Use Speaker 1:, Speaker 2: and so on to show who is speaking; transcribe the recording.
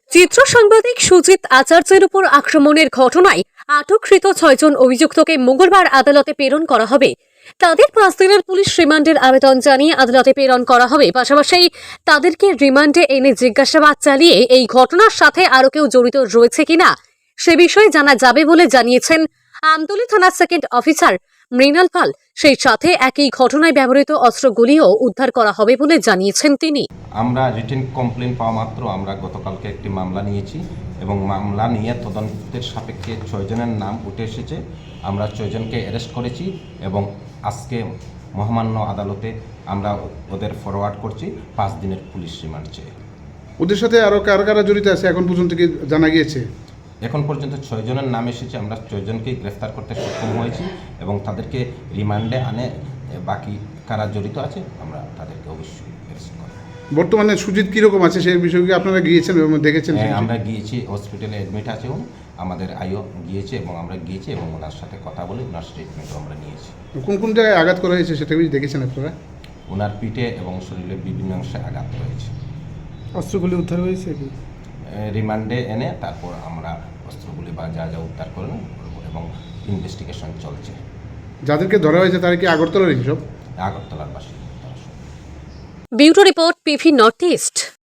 Speaker 1: চিত্র সাংবাদিক সুজিত আচার্যের উপর আক্রমণের ঘটনায় আটককৃত 6 জন অভিযুক্তকে মঙ্গলবার আদালতে প্রেরণ করা হবে। তাদের 5 দিনের পুলিশ রিমান্ডের আবেদন জানিয়ে আদালতে প্রেরণ করা হবে। পাশাপাশি তাদেরকে রিমান্ডে এনে জিজ্ঞাসাবাদ চালিয়ে এই ঘটনার সাথে আরও কেউ জড়িত রয়েছে কিনা সে বিষয়ে জানা যাবে বলে জানিয়েছেন আমতলী থানার সেকেন্ড অফিসার মৃণাল পাল। সেই সাথে একই ঘটনায় ব্যবহৃত অস্ত্রগুলিও উদ্ধার করা হবে বলে জানিয়েছেন তিনি।
Speaker 2: আমরা রিটেন কমপ্লেন পাওয়া মাত্র আমরা গতকালকে একটি মামলা নিয়েছি এবং মামলা নিয়ে তদন্তের সাপেক্ষে 6 জনের নাম উঠে এসেছে। আমরা 6 জনকে অ্যারেস্ট করেছি এবং আজকে মহামান্য আদালতে আমরা ওদের ফরওয়ার্ড করছি 5 দিনের পুলিশ রিমান্ড চেয়ে।
Speaker 3: ওদের সাথে আরও কারা কারা জড়িত আছে এখন পর্যন্ত কি জানা গিয়েছে?
Speaker 2: এখন পর্যন্ত 6 জনের নাম এসেছে। আমরা 6 জনকেই গ্রেফতার করতে সক্ষম হয়েছি এবং তাদেরকে রিমান্ডে আনে বাকি কারা জড়িত আছে আমরা তাদেরকে অবশ্যই অ্যারেস্ট করব।
Speaker 3: বর্তমানে সুজিত কীরকম আছে সেই বিষয়ে কি আপনারা গিয়েছেন এবং দেখেছেন?
Speaker 2: হ্যাঁ, আমরা গিয়েছি, হসপিটালে অ্যাডমিট আছে উনি, আমাদের আইও গিয়েছে এবং আমরা গিয়েছি এবং ওনার সাথে কথা বলে ওনার স্টেটমেন্টও আমরা নিয়েছি।
Speaker 3: কোন কোন জায়গায় আঘাত করা হয়েছে সেটা কি দেখেছেন আপনারা?
Speaker 2: ওনার পিঠে এবং শরীরের বিভিন্ন অংশে আঘাত রয়েছে।
Speaker 4: অস্ত্রগুলি উদ্ধার হয়েছে কি?
Speaker 2: রিমান্ডে এনে তারপর আমরা অস্ত্রগুলি বা যা যা উদ্ধার করব এবং ইনভেস্টিগেশন চলছে।
Speaker 3: যাদেরকে ধরা হয়েছে তারা কি আগরতলার সব?
Speaker 2: আগরতলার বাসিন্দা।
Speaker 1: Bureau report, PV north east.